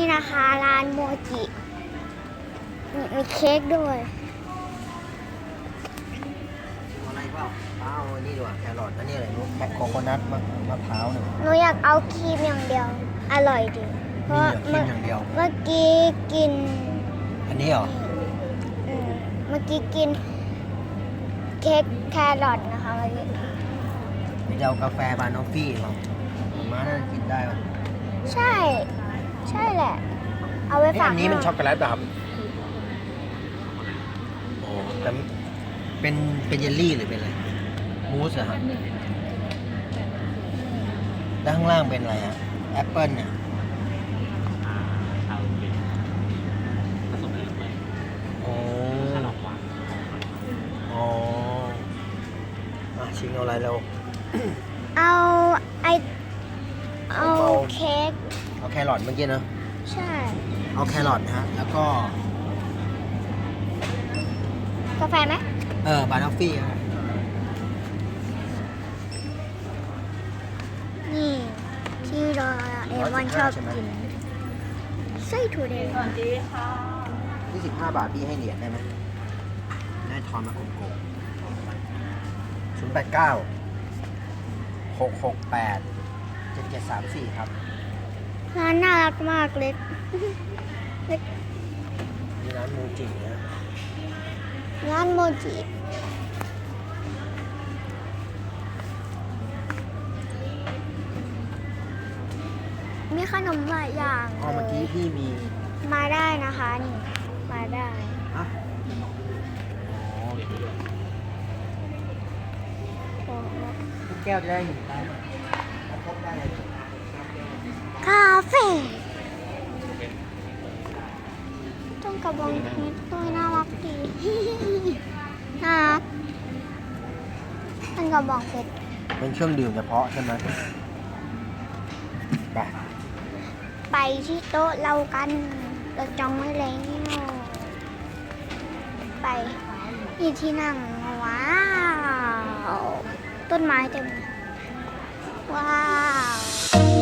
นะคะร้านโมจิมีเค้กด้วยอะไรเปล่าเอาอันนี้ดีกว่าแครอทอันนี้อะไรลูกแคโคโคนัทมะพร้าวเนี่ยหนูอยากเอาครีมอย่างเดียว อร่อยดีเพมีราะเหลือครีมอย่างเดียวเมื่อกี้กินอันนี้เหรอเมื่อกี้กินเค้กแครอทนะคะเมื่อกี้มีจะเอากาแฟบานอฟฟี่เปล่าม้าน่าจะกินได้ป่ะใช่ ใช่แหละ เอาไว้ฝากอันนี้มันช็อกโกแลตแบบโอ้แต่เป็นเยลลี่หรือเป็นอะไรมูสเหรอฮะแล้วข้างล่างเป็นอะไรฮะแอปเปิ้ลเนี่ยโอ้อ๋อชิงเอาอะไรเราเอาเอาเค้กเอาแครอทเมื่อกี้เนอะใช่เอาแครอทนะฮะแล้วก็กาแฟไหมบานอฟฟี่ครับนี่ที่เราเอมอนชอบกินไส้ถั่วแดง 25 บาทพี่ให้เหรียญได้ไหมได้ทอนมาโกง089 668 7734ครับร้านน่ารักมากเล็กนี่ร้านมูจินะร้านโมจิมีขนมหลายอย่างอ๋อเมื่อกี้พี่มีมาได้นะคะนี่มาได้อ่ะอ๋อทุกแก้วจะได้อยู่ได้ครบได้เลยคาเฟ่ต้องกระบองเพชรด้วยน่ารักดี น่ารักเป็นกระบองเพชรเป็นเครื่องดื่มเฉพาะใช่ไหมไปไปที่โต๊ะเรากันเราจองไว้แล้วไปนี่ที่นั่งว้าวต้นไม้เต็มเลยว้าว